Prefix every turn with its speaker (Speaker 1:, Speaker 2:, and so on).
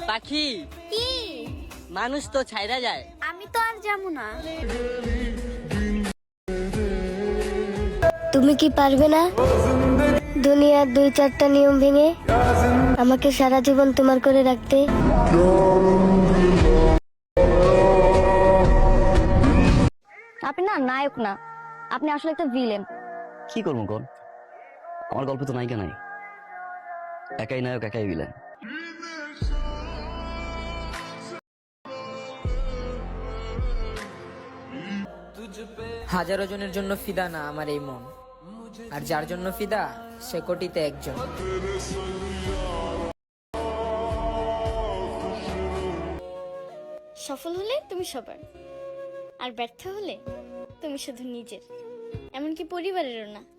Speaker 1: পাখি
Speaker 2: কি?
Speaker 1: মানুষ তো ছাইরা যায়।
Speaker 2: আমি তো আর যাবো না।
Speaker 3: তুমি কি পারবে না দুনিয়ার 2-4টা নিয়ম ভেঙে আমাকে সারা জীবন তোমার করে রাখতে?
Speaker 4: আপনি না নায়ক না, আপনি আসলে একটা ভিলেন।
Speaker 5: কি করবো কর, আমার গল্পে তো নায়িকা নাই, একাই নায়ক একাই ভিলেন।
Speaker 6: হাজারো জনের জন্য ফিদা না আমার এই মন, আর যার জন্য ফিদা সে কোটিতে একজন।
Speaker 2: সফল হলে তুমি সবার, আর ব্যর্থ হলে তুমি শুধু নিজের, এমনকি পরিবারেরও না।